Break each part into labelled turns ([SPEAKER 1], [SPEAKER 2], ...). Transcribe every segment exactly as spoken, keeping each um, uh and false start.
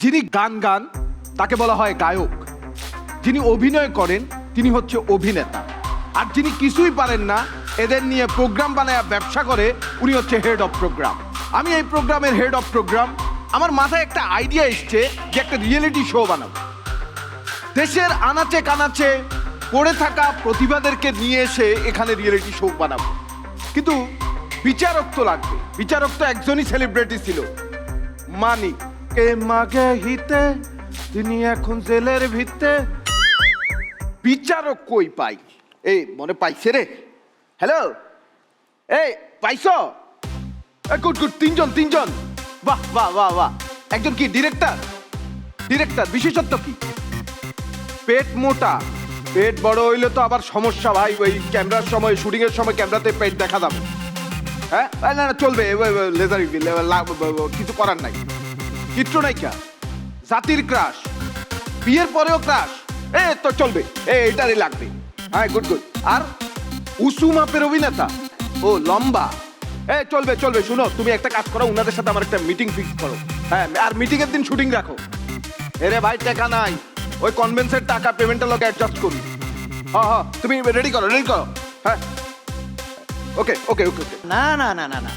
[SPEAKER 1] যিনি গান গান তাকে বলা হয় গায়ক, যিনি অভিনয় করেন তিনি হচ্ছে অভিনেতা, আর যিনি কিছুই পারেন না এদের নিয়ে প্রোগ্রাম বানায় ব্যবসা করে উনি হচ্ছে হেড অফ প্রোগ্রাম। আমি এই প্রোগ্রামের হেড অফ প্রোগ্রাম। আমার মাথায় একটা আইডিয়া এসছে যে একটা রিয়েলিটি শো বানাবো। দেশের আনাচে কানাচে পড়ে থাকা প্রতিভাদেরকে নিয়ে এসে এখানে রিয়েলিটি শো বানাবো, কিন্তু বিচারক তো লাগবে। বিচারক তো একজনই সেলিব্রিটি ছিল, মানিক। কে মাগে হিতে তিনি এখন জেলের ভিত্তে। বিচারক কই পাই? এই মনে পাইছে রে। হ্যালো, এই পাইছ? গুড গুড, তিনজন তিনজন। বাহ বাহ বাহ বাহ। একজন কি ডিরেক্টর? ডিরেক্টর বিশেষত্ব কি? পেট মোটা। পেট বড় হইলে তো আবার সমস্যা ভাই, ওই ক্যামেরার সময় শুটিং এর সময় ক্যামেরাতে পেট দেখা যাবে। হ্যাঁ না না চলবে, লেজার কিছু করার নাই। চিত্রনায়িকা, জাতির ক্রাশ, বিয়ের পরেও ক্রাশ, এ তো চলবে, এটারই লাগবে। হ্যাঁ গুড গুড। আর উঁচু মাপের অভিনেতা, ও লম্বা, এ চলবে চলবে। শুনো, তুমি একটা কাজ করো, ওনাদের সাথে আমার একটা মিটিং ফিক্স করো। হ্যাঁ, আর মিটিং এর দিন শুটিং রাখো। এরে ভাই টাকা নাই, ওই কনভেন্সের টাকা পেমেন্টের লোক অ্যাডজাস্ট করি। হ্যাঁ হ্যাঁ তুমি রেডি করো রেডি করো। হ্যাঁ ওকে ওকে ওকে ওকে।
[SPEAKER 2] না না না না না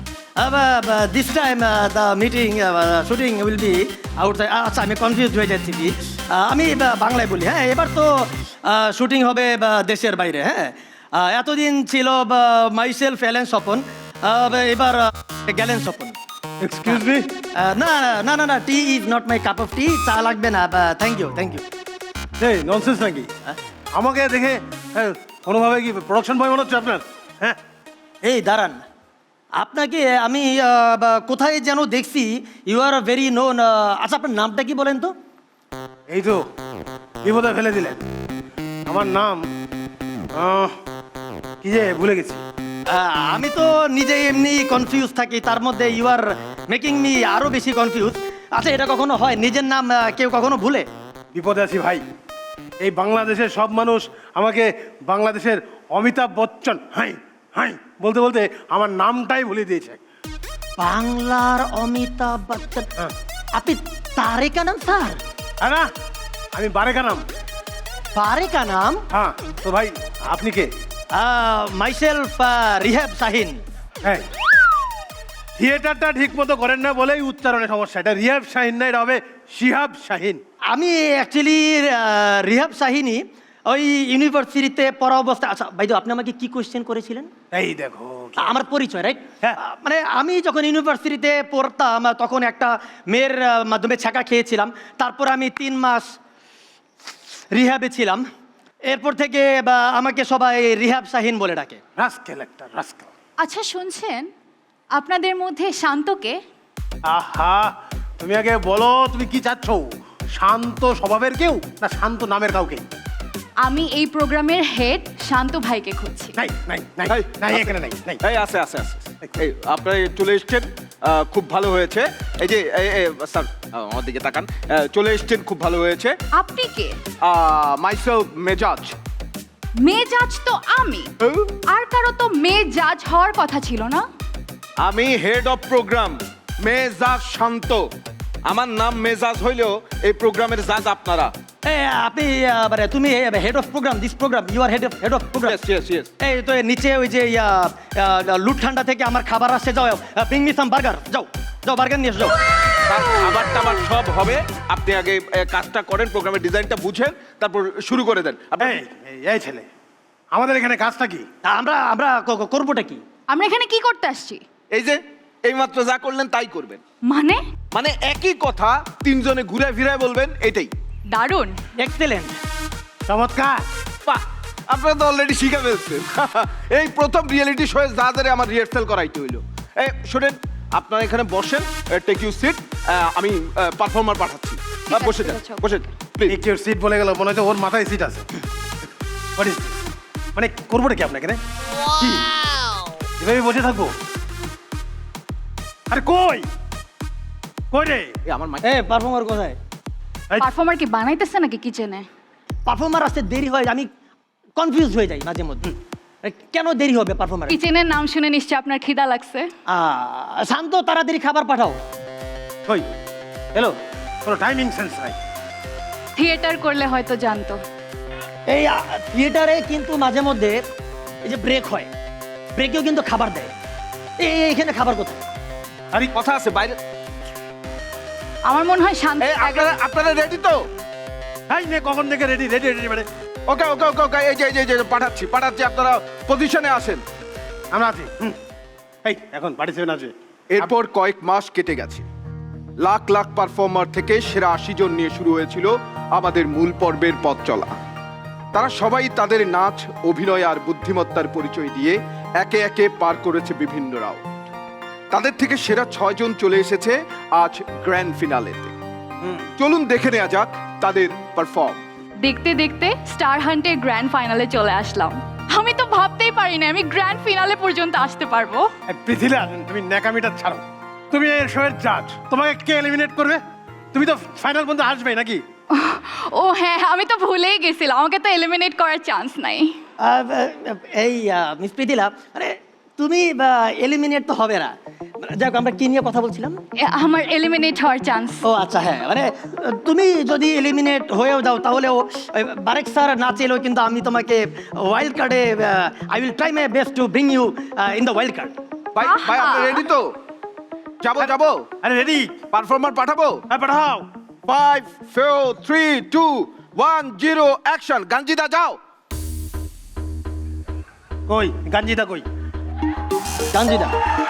[SPEAKER 2] this time the meeting shooting will be outside. আচ্ছা আমি কনফিউজ হয়ে যাচ্ছি কি, আমি বাংলায় বলি। হ্যাঁ এবার তো শুটিং হবে দেশের বাইরে। হ্যাঁ এতদিন ছিল মাইসেলফ এলেন স্বপন, এবার গেলেন স্বপন।
[SPEAKER 3] Excuse me.
[SPEAKER 2] না না না না tea is not my cup of tea. চা লাগবে না, থ্যাংক ইউ থ্যাংক ইউ।
[SPEAKER 3] এই ননসেন্স নাকি? আমাকে দেখে হ্যাঁ, কোনোভাবে কি প্রোডাকশন বয় মনে হচ্ছে আপনার? হ্যাঁ
[SPEAKER 2] এই দাঁড়ান, আপনাকে আমি কোথায় যেন দেখছি, ইউ আর ভেরি নোন। আচ্ছা আপনার নামটা কি বলেন তো?
[SPEAKER 3] এই তো বিপদে ফেলে দিলেন। আমার নাম আহ, কি যে ভুলে গেছি।
[SPEAKER 2] আহ, আমি তো নিজে এমনি কনফিউজ থাকি, তার মধ্যে ইউ আর মেকিং মি আরো বেশি কনফিউজ। আচ্ছা এটা কখনো হয় নিজের নাম আহ, কেউ কখনো ভুলে?
[SPEAKER 3] বিপদে আছি ভাই। এই বাংলাদেশের সব মানুষ আমাকে বাংলাদেশের অমিতাভ বচ্চন হাই হাই বলতে বলতে আমার নামটাই ভুলে দিয়েছে।
[SPEAKER 2] বাংলার অমিতাভ বচ্চন? আপনি তারেকা নাম স্যার?
[SPEAKER 3] হ্যাঁ না, আমি বারেকা নাম।
[SPEAKER 2] তারেকা নাম?
[SPEAKER 3] হ্যাঁ তো ভাই আপনি কে?
[SPEAKER 2] মাইসেলফ রিহাব শাহিন।
[SPEAKER 3] হ্যাঁ থিয়েটারটা ঠিক মতো করেন না বলেই উচ্চারণের সমস্যা। এটা রিহাব শাহিন না, এটা হবে শিহাব শাহিন।
[SPEAKER 2] আমি অ্যাকচুয়ালি রিহাব শাহিনী, ওই ইউনিভার্সিটিতে পড়া অবস্থা। আচ্ছা ভাইদু আপনি আমাকে কি কোয়েশ্চেন করেছিলেন?
[SPEAKER 3] এই দেখো
[SPEAKER 2] আমার পরিচয় রাইট।
[SPEAKER 3] হ্যাঁ।
[SPEAKER 2] মানে আমি যখন ইউনিভার্সিটিতে পড়তাম তখন একটা মেয়ের মাধ্যমে ছাকা খেয়েছিলাম, তারপর আমি তিন মাস রিহাবে ছিলাম। এরপর থেকে বা আমাকে সবাই রিহাব শাহিন বলে ডাকে।
[SPEAKER 3] রাস্কেল একটা রাস্কেল।
[SPEAKER 4] আচ্ছা শুনছেন, আপনাদের মধ্যে শান্তকে?
[SPEAKER 3] আহা তুমি আগে বলো তুমি কি চাচ্ছ? শান্ত স্বভাবের কেউ না শান্ত নামের কাউকে?
[SPEAKER 4] আমি এই প্রোগ্রামের হেড শান্ত ভাইকে খুঁজছি।
[SPEAKER 3] নাই নাই নাই
[SPEAKER 1] এই,
[SPEAKER 3] নাই এখানে নাই নাই।
[SPEAKER 1] এই আছে আছে আছে। এই আপনারা চলে এসছেন, আহ, খুব ভালো হয়েছে। এই যে এই- এই, স্যার আমার দিকে তাকান। আহ, চলে এসছেন, খুব ভালো হয়েছে।
[SPEAKER 4] আপনি কে?
[SPEAKER 1] মাইসেলফ মেজাজ।
[SPEAKER 4] মেজাজ তো আমি, আর কারো তো মেজাজ হওয়ার কথা ছিল না।
[SPEAKER 1] আমি হেড অফ প্রোগ্রাম, মেজাজ শান্ত। আমার নাম মেজাজ হইলেও এই প্রোগ্রামের জাজ আপনারা।
[SPEAKER 2] এ, আপনি আহ, মানে তুমি head of program, this program you are head of head of program.
[SPEAKER 1] Yes, yes, yes.
[SPEAKER 2] এই তো এর নিচে ওই যে ইয়া, আহ, লুট ঠান্ডা থেকে আমার খাবার আসছে, যাও ব্রিং মি সাম বার্গার। যাও যাও বার্গার নিয়ে এসো, যাও।
[SPEAKER 1] তার খাবার টাবার সব হবে। আপনি আগে এ, কাজটা করেন, প্রোগ্রামের ডিজাইনটা বুঝেন, তারপর শুরু করে দেন। আপনি
[SPEAKER 3] এই এই- এই ছেলে আমাদের এখানে কাজটা কি?
[SPEAKER 2] তা আমরা আমরা ক- ক- করবোটা কি?
[SPEAKER 4] আমরা এখানে কি করতে আসছি?
[SPEAKER 1] এই যে এইমাত্র যা করলেন তাই করবেন।
[SPEAKER 4] মানে
[SPEAKER 1] মানে একই কথা তিনজনে ঘুরে ফিরে বলবেন, এটাই।
[SPEAKER 4] দারুণ।
[SPEAKER 2] এক্সেলেন্ট।
[SPEAKER 3] চমৎকার।
[SPEAKER 1] বাহ, আপনারা তো অলরেডি শিখে ফেলছেন। এই প্রথম রিয়েলিটি শোয়ে যাদের আমার রিহার্সাল করাইতে হইলো। এই শোনেন, আপনারা এখানে বসেন, টেক ইউ সিট। আমি পারফর্মার পাঠাচ্ছি। আহ,
[SPEAKER 4] আছে,
[SPEAKER 1] বসে যান
[SPEAKER 4] বসো।
[SPEAKER 1] বসে প্লিজ।
[SPEAKER 3] একটির সিট বলে গেল, মনে হচ্ছে ওর মাথায় সিট আছে। What is this? মানে করবোটা কি আপনাকে? কি এভাবে বসে থাকবো? আরে কই কই রে?
[SPEAKER 1] আমার মাই
[SPEAKER 2] এ পারফর্মার কোথায়?
[SPEAKER 4] পারফর্মার কি বানাইতেছে নাকি কিচেনে?
[SPEAKER 2] পারফর্মার আসতে দেরি হয়, আমি কনফিউজ হয়ে যাই মাঝে মধ্যে। এ, কেন দেরি হবে পারফর্মার?
[SPEAKER 4] কিচেনের নাম শুনে নিশ্চয় আপনার খিদা লাগছে।
[SPEAKER 2] শান্ত, তাড়াতাড়ি খাবার পাঠাও।
[SPEAKER 3] কই
[SPEAKER 2] হ্যালো
[SPEAKER 3] কোনো টাইমিং সেন্স নাই।
[SPEAKER 4] থিয়েটার করলে হয়তো জানতো।
[SPEAKER 2] এই আ, থিয়েটারে কিন্তু মাঝে মধ্যে এই যে ব্রেক হয়, ব্রেকেও কিন্তু খাবার দেয়। এই এই, এখানে খাবার কোথায়?
[SPEAKER 3] আরে
[SPEAKER 1] কথা আছে বাইরে।
[SPEAKER 4] আমার মনে হয় শান্ত
[SPEAKER 1] এই আপনারা আপনারা রেডি তো?
[SPEAKER 3] হাই নে কখন থেকে রেডি রেডি রেডি মানে
[SPEAKER 1] ওকে ওকে ওকে ওকে এই যে এই যে, এই যে পাঠাচ্ছি পাঠাচ্ছি আপনারা পজিশনে আসেন।
[SPEAKER 3] আমরা আছি। হুম। এই এখন পার্টিসিপেন্ট আছে।
[SPEAKER 1] এরপর কয়েক মাস কেটে গেছে। লাখ লাখ পারফর্মার থেকে সেরা আশি জন নিয়ে শুরু হয়েছিল আমাদের মূল পর্বের পথ চলা। তারা সবাই তাদের নাচ, অভিনয় আর বুদ্ধিমত্তার পরিচয় দিয়ে একে একে পার করেছে বিভিন্ন রাউন্ড। তাদের থেকে সেরা ছয় জন চলে এসেছে আজ গ্র্যান্ড ফিনালেতে। চলুন দেখে নেওয়া যাক তাদের পারফর্ম।
[SPEAKER 4] দেখতে দেখতে স্টার হান্টের গ্র্যান্ড ফাইনালে চলে আসলাম। আমি তো ভাবতেই পারি না আমি গ্র্যান্ড ফিনালে পর্যন্ত আসতে পারবো।
[SPEAKER 3] এই পৃথিলা তুমি ন্যাকামিটা ছাড়ো। তুমি এই শোয়ের জাজ, তোমাকে কে এলিমিনেট করবে? তুমি তো ফাইনাল পর্যন্ত আসবে নাকি?
[SPEAKER 4] ও হ্যাঁ, আমি তো ভুলেই গেছিলাম, আমাকে তো এলিমিনেট করার চান্স নাই।
[SPEAKER 2] আ, আ, এই মিস প্রীতিলা, আরে তুমি এলিমিনেট তো হবে না। যাক, আমরা কি নিয়ে কথা বলছিলাম?
[SPEAKER 4] এ, আমার এলিমিনেট হওয়ার চান্স।
[SPEAKER 2] ও আচ্ছা, হ্যাঁ, মানে তুমি যদি এলিমিনেট হয়েও যাও তাহলেও ওই বারেক স্যার না চাইলেও কিন্তু আমি তোমাকে ওয়াইল্ড কার্ডে I will try my best to bring you in the wild card.
[SPEAKER 1] ভাই ভাই আপনারা রেডি তো? যাবো যাবো
[SPEAKER 3] আরে রেডি,
[SPEAKER 1] পারফর্মার পাঠাবো।
[SPEAKER 3] হ্যাঁ পাঠাও।
[SPEAKER 1] Five four three two one zero action. গাঞ্জিদা যাও।
[SPEAKER 3] কই গাঞ্জিদা কই?
[SPEAKER 2] গাঞ্জিদা,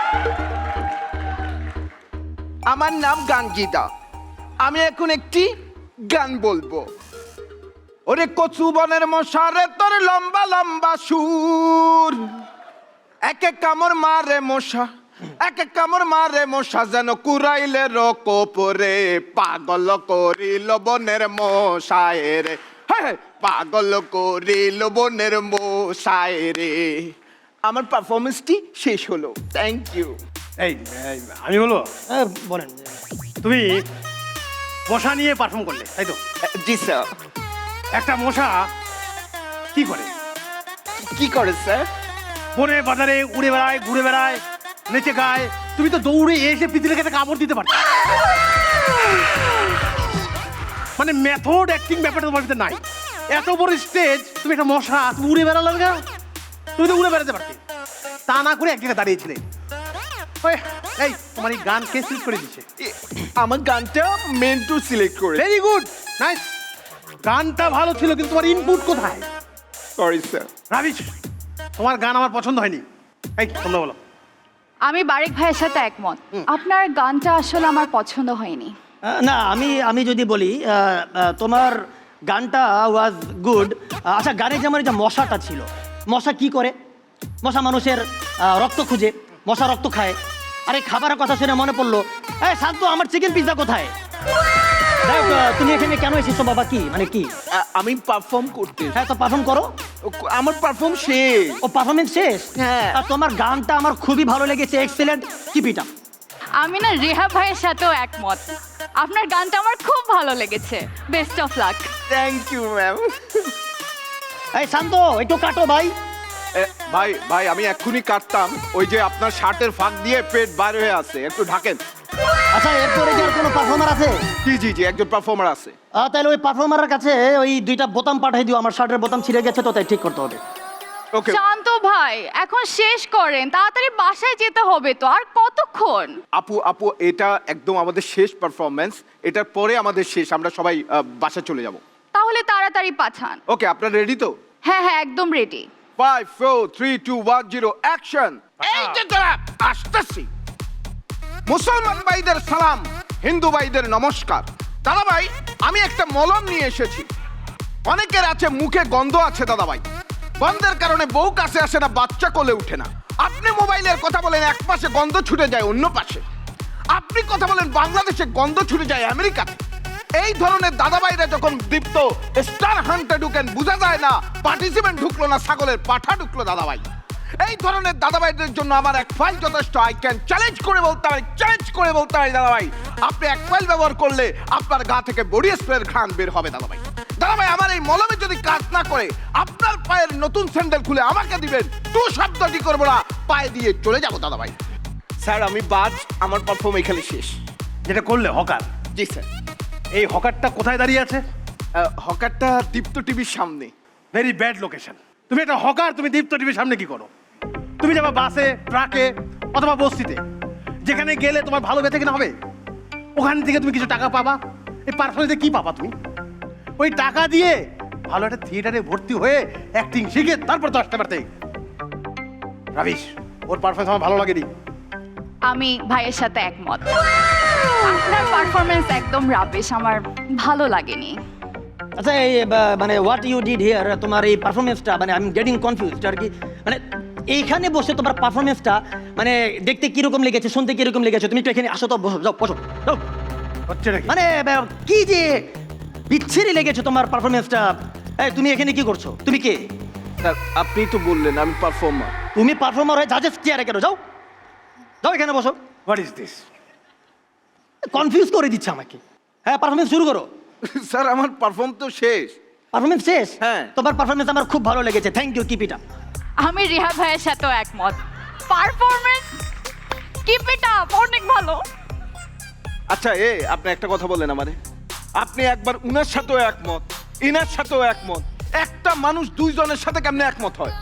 [SPEAKER 1] আমার নাম গাঞ্জিদা। আমি এখন একটি গান বলবো। ওরে কচু বনের মশারে তোর লম্বা লম্বা সুর, এক এক কামড় মারে মশা, এক এক কামড় মারে মশা, যেন কুরাইলে রকোপরে পাগল করিল বনের মশায় রে। হ্যাঁ, পাগল করিল বনের মশায় রে। আমার পারফরমেন্সটি শেষ হলো। Thank you.
[SPEAKER 3] এই এই, আমি বলবো,
[SPEAKER 2] হ্যাঁ, বলেন।
[SPEAKER 3] তুমি মশা নিয়ে পারফর্ম করলে, তাই তো?
[SPEAKER 1] জি স্যার।
[SPEAKER 3] একটা মশা কি করে?
[SPEAKER 1] কি করে স্যার?
[SPEAKER 3] বনে বাজারে উড়ে বেড়ায়, ঘুরে বেড়ায়, নেচে গায়। তুমি তো দৌড়ে এসে পৃথিবীকে একটা কামড় দিতে পারো। মানে মেথড অ্যাক্টিং ব্যাপারটা তোমার ভিতরে নাই। এত বড় স্টেজ, তুমি একটা মশা, তুমি উড়ে বেড়ালে না? তুমি তো উড়ে বেড়াতে পারতে, তা না করে এক জায়গায় দাঁড়িয়েছিলে। ওই, এই তোমার এই গান কে সিলেক্ট করে দিচ্ছে?
[SPEAKER 1] এ- আমার গানটা মেন টু সিলেক্ট করে।
[SPEAKER 3] Very good, nice. গানটা ভালো ছিল, কিন্তু তোমার ইনপুট কোথায়?
[SPEAKER 1] Sorry sir.
[SPEAKER 3] রাবিশ, তোমার গান আমার পছন্দ হয়নি। এই তোমরা বলো।
[SPEAKER 4] আমি বারেক ভাইয়ের সাথে একমত, আপনার গানটা আসলে আমার পছন্দ হয়নি।
[SPEAKER 2] আহ, না, আমি আমি যদি বলি আহ, আহ, তোমার গানটা ওয়াজ গুড। আচ্ছা, গানে যেমন এই যে মশাটা ছিল, মশা কি করে? মশা মানুষের আহ, রক্ত খুঁজে, মশা রক্ত খায়। আরে খাবারের কথা শুনে মনে পড়লো, এই শান্ত, আমার চিকেন পিৎজা কোথায়? যাই হোক, আহ, তুমি এখানে কেন এসেছো বাবা? কি মানে কি?
[SPEAKER 1] আ- আমি পারফর্ম করতে।
[SPEAKER 2] হ্যাঁ, তো পারফর্ম করো।
[SPEAKER 1] আমার পারফর্ম শেষ।
[SPEAKER 2] ও পারফরমেন্স শেষ?
[SPEAKER 1] হ্যাঁ।
[SPEAKER 2] আর তোমার গানটা আমার খুবই ভালো লেগেছে, এক্সেলেন্ট, কিপ ইট আপ।
[SPEAKER 4] আমি না রেহা ভাইয়ের সাথেও একমত, আপনার গানটা আমার খুব ভালো লেগেছে। Best of luck.
[SPEAKER 1] Thank you ma'am.
[SPEAKER 2] এই শান্ত, একটু কাটো ভাই।
[SPEAKER 1] ভাই ভাই আমি এক্ষুনি কাটতাম, ওই যে আপনার শার্টের ফাঁক দিয়ে পেট বার হয়ে আছে, একটু ঢাকেন।
[SPEAKER 2] আচ্ছা, এরপরে কি আর কোনো পারফর্মার আছে?
[SPEAKER 1] জি জি জি, একজন পারফর্মার আছে।
[SPEAKER 2] আহ, তাহলে ওই পারফর্মারের কাছে ওই দুইটা বোতাম পাঠিয়ে দিও, আমার শার্টের বোতাম ছিঁড়ে গেছে তো, তাই ঠিক করতে হবে।
[SPEAKER 1] ওকে
[SPEAKER 4] শান্ত ভাই, এখন শেষ করেন, তাড়াতাড়ি বাসায় যেতে হবে তো, আর কতক্ষণ?
[SPEAKER 1] আপু আপু এটা একদম আমাদের শেষ পারফরমেন্স, এটার পরে আমাদের শেষ, আমরা সবাই আহ, বাসা চলে যাব।
[SPEAKER 4] তাহলে তাড়াতাড়ি পাঠান।
[SPEAKER 1] ওকে, আপনারা রেডি তো?
[SPEAKER 4] হ্যাঁ হ্যাঁ, একদম ready.
[SPEAKER 1] Five four three two one zero action. এই যে তারা আসতেছি। মুসলমান ভাইদের সালাম, হিন্দু ভাইদের নমস্কার। দাদা ভাই, আমি একটা মলম নিয়ে এসেছি। অনেকের আছে মুখে গন্ধ আছে দাদা ভাই, গন্ধের কারণে বউ কাছে আসে না, বাচ্চা কোলে উঠে না। আপনি মোবাইলের কথা বলেন, এক পাশে গন্ধ ছুটে যায় অন্য পাশে। আপনি কথা বলেন বাংলাদেশে, গন্ধ ছুটে যায় আমেরিকাতে। এই ধরনের দাদাভাইরা যখন দীপ্ত স্টার হান্টে ঢুকেন, বোঝা যায় না পার্টিসিপেন্ট ঢুকলো না ছাগলের পাঠা ঢুকলো দাদাভাই। এই ধরনের দাদাভাইদের জন্য আমার এক ফাইল যথেষ্ট। আই ক্যান চ্যালেঞ্জ করে বলতে হয়, চ্যালেঞ্জ করে বলতে হয় দাদাভাই, আপনি এক ফাইল ব্যবহার করলে আপনার গা থেকে বডি স্প্রের ঘ্রাণ বের হবে দাদাভাই। দাদাভাই, আমার এই মলমে যদি কাজ না করে, আপনার পায়ের নতুন স্যান্ডেল খুলে আমাকে দিবেন, টু শব্দটি করবো না, পায়ে দিয়ে চলে যাবো দাদাভাই। স্যার আমি বাজ, আমার পারফর্ম এখানে শেষ।
[SPEAKER 3] যেটা করলে হকার।
[SPEAKER 1] জি স্যার।
[SPEAKER 3] এই হকারটা কোথায় দাঁড়িয়ে আছে?
[SPEAKER 1] আহ, হকারটা দীপ্ত টিভির সামনে।
[SPEAKER 3] Very bad location. তুমি একটা হকার, তুমি দীপ্ত টিভির সামনে কি করো? তুমি যাবা বাসে, ট্রাকে অথবা বস্তিতে, যেখানে গেলে তোমার ভালো বেঁচে কিনা হবে। ওখান থেকে তুমি কিছু টাকা পাবা। এই পারফরমেন্সে কি পাবা তুমি? ওই টাকা দিয়ে ভালো একটা থিয়েটারে ভর্তি হয়ে অ্যাক্টিং শিখে তারপর দশটা বাড়তে। রাবিশ, ওর পারফরমেন্স আমার ভালো লাগেনি।
[SPEAKER 4] আমি ভাইয়ের সাথে একমত। আপনার পারফরমেন্স একদম রাবিশ, আমার ভালো লাগেনি।
[SPEAKER 2] আচ্ছা এই বা- মানে হোয়াট ইউ ডিড হিয়ার, তোমার এই পারফরমেন্সটা মানে আই এম গেটিং কনফিউজড আর কি। মানে এইখানে বসে তোমার পারফরমেন্সটা মানে দেখতে কিরকম লেগেছে, শুনতে কিরকম লেগেছে, তুমি একটু এখানে আসো তো, বসো, যাও বসো, যাও।
[SPEAKER 3] হচ্ছে নাকি?
[SPEAKER 2] মানে বা- কি যে বিচ্ছিরি লেগেছে তোমার পারফরমেন্সটা। এই তুমি এখানে কি করছো? তুমি কে?
[SPEAKER 1] স্যার আপনি তো বললেন আমি পারফর্মার।
[SPEAKER 2] তুমি পারফর্মার হয়ে জাজেস চেয়ারে কেন? যাও যাও এখানে বসো।
[SPEAKER 3] What is this?
[SPEAKER 2] কনফিউজ করে দিচ্ছে আমাকে। হ্যাঁ পারফরমেন্স শুরু করো।
[SPEAKER 1] স্যার আমার পারফর্ম তো শেষ।
[SPEAKER 2] পারফরমেন্স শেষ?
[SPEAKER 1] হ্যাঁ।
[SPEAKER 2] তোমার পারফরমেন্স আমার খুব ভালো লেগেছে, thank you, keep it up.
[SPEAKER 4] আমি রিহা ভাইয়ের সাথেও একমত। পারফরমেন্স কিপ ইট আপ, অনেক ভালো।
[SPEAKER 1] আচ্ছা এ আপনি একটা কথা বললেন আমারে, আপনি একবার উনার সাথেও একমত, ইনার সাথেও একমত, একটা মানুষ দুইজনের সাথে কেমনে একমত হয়?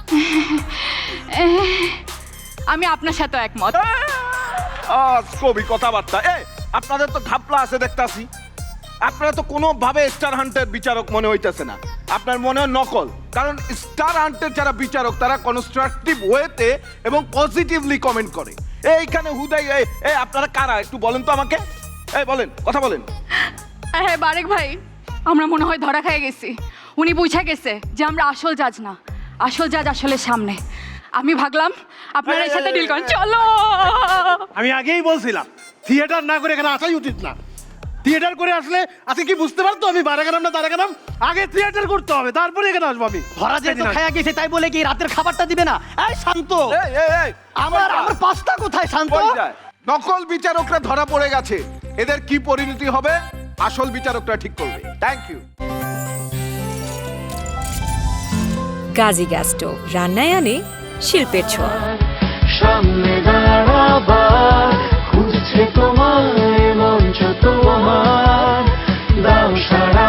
[SPEAKER 4] আমি আপনার সাথেও একমত।
[SPEAKER 1] আজ কবি কথাবার্তা। এ আপনাদের তো ঘাপলা আছে দেখতাছি, আপনারা তো কোনোভাবে স্টার হান্টের বিচারক মনে হইতেছে না, আপনার মনে হয় নকল। কারণ স্টার হান্টের যারা বিচারক তারা কনস্ট্রাকটিভ ওয়েতে এবং পজিটিভলি কমেন্ট করে। এইখানে হুদাই এই এই আপনারা কারা একটু বলেন তো আমাকে, এই বলেন, কথা বলেন।
[SPEAKER 4] হ্যাঁ বারেক ভাই, আমরা মনে হয় ধরা খেয়ে গেছি। উনি বুঝে গেছে যে আমরা আসল জাজ না, আসল জাজ আসলে সামনে। আমি ভাবলাম আপনার এর সাথে ডিল করেন, চলো।
[SPEAKER 3] আমি আগেই বলছিলাম থিয়েটার না করে এখানে আসাই উচিত না। থিয়েটার করে আসলে আজকে কি বুঝতে পারতো আমি বারে গেলাম না তারা গেলাম? আগে থিয়েটার করতে হবে, তারপরে এখানে আসবো আমি।
[SPEAKER 2] ধরা যেহেতু খায়া গেছে তাই বলে কি রাতের খাবারটা দিবে না? এই শান্ত,
[SPEAKER 1] এই এই এই
[SPEAKER 2] আমার আমার পাস্তা কোথায়? শান্ত।
[SPEAKER 1] কই যায়? নকল বিচারকরা ধরা পড়ে গেছে, এদের কি পরিণতি হবে আসল বিচারকরা ঠিক করবে। Thank you.
[SPEAKER 5] Gazi gas stove, রান্নায় আনে শিল্পের ছোঁয়া।
[SPEAKER 6] সামনে দাঁড়াবার খুঁজছে তোমায় মঞ্চ তোমার, দাও সারা